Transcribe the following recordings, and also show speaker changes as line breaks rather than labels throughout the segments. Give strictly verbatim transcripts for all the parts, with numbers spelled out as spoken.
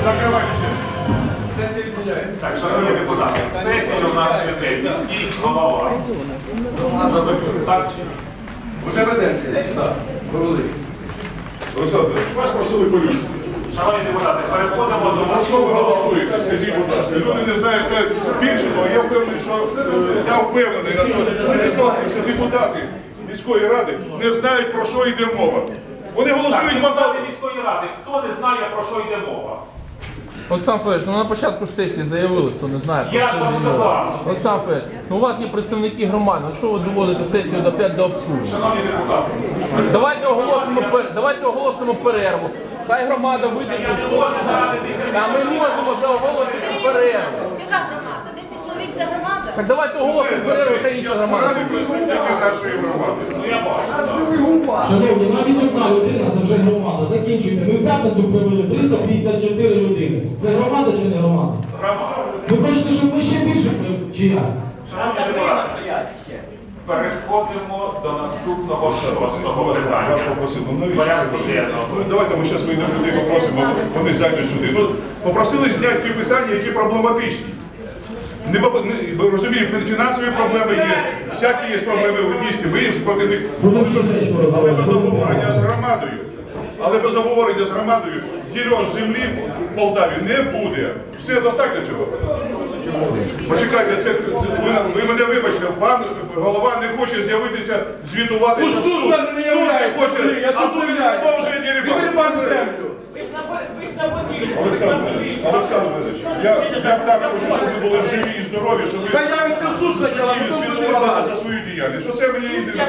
Закривайте.
Сесія відміняється.
Так, шановні депутати, сесію у нас веде міський голова. Так чи ні?
Уже ведемо сесію, так. Провели.
Олександр, вас просили по-людськи.
Шановні депутати, переходимо до
А що ви голосуєте? Скажіть, будь ласка. Люди не знають більше, але я впевнений, що я впевнений, що депутати міської ради не знають, про що йде мова. Вони
Так,
голосують
депутати міської ради. Хто не знає, про що йде мова?
Олександр Федорович, ну на початку ж сесії заявили, хто не знає.
Я ж вам сказав.
Олександр Федорович, ну у вас є представники громади, ну що ви доводите сесію до п'ять до абсурду?
Шановні депутати,
Давайте оголосимо, пер- давайте оголосимо перерву. Хай громада вийде
я
з
не можу заради
Та ми
десяти.
можемо заголосити перерву.
Яка громада? десять чоловік це громада?
Так давайте оголосимо перерву, хай інша громада.
Ради представники нашої громади.
Ну я бачу.
Шановні, навіть одна людина це вже громада. Закінчуйте. Ми в п'ятницю привели триста п'ятдесят чотири людини. Це громада чи не громада?
Громада.
Ви хочете, щоб ми ще більше привели? Чи як?
Шановні депутати, переходимо до наступного шостого
Вас
питання.
попросили, ну навіщо?
Порядку денного.
Ну, давайте ми зараз вийдемо людей попросимо, вони зайдуть сюди. Ну, попросили зняти ті питання, які проблематичні. Не, баб- не, ми розуміємо, фінансові проблеми є, всякі є проблеми в місті, ми їм проти них.
Будемо ще речку
Але без
розмовляти.
обговорення з громадою, але без обговорення з громадою ділянок землі в Полтаві не буде. Все, достатньо цього. Почекайте, це, це ви, ви мене вибачте, пан голова не хоче з'явитися, звітувати.
Ну,
що
суд мене не
суд
являється,
не хоче,
Андрій, я
а
тут
тут він
являюся.
продовжує дерибан.
Відберіть пану землю.
Олександр, Олександр Іванович, я, я так хочу, щоб ви були живі і здорові, щоб ви
Хай явиться в суд спочатку, а потім буде
звітувалися
дебат.
за свою діяльність. Що це мені йде?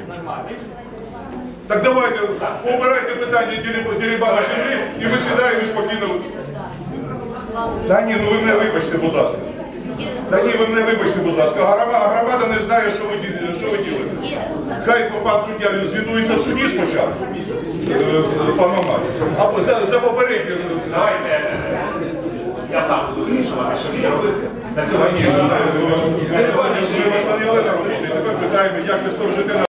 Так давайте, обирайте питання дерибану землі, і ми сідаємо і спокійно. Та ні, ну ви мене вибачте, будь ласка. Та ні, ви мене вибачте, будь ласка. Громада, громада не знає, що ви, ді- що ви ділите. Хай пан суддя звітується в суді спочатку, е, пан Мамай. А за, за попереднє.
Давайте, я сам буду вирішувати, що мені робити. На сьогодні.
Ми вас наняли на роботу, і тепер питаємо, як ви сторожите на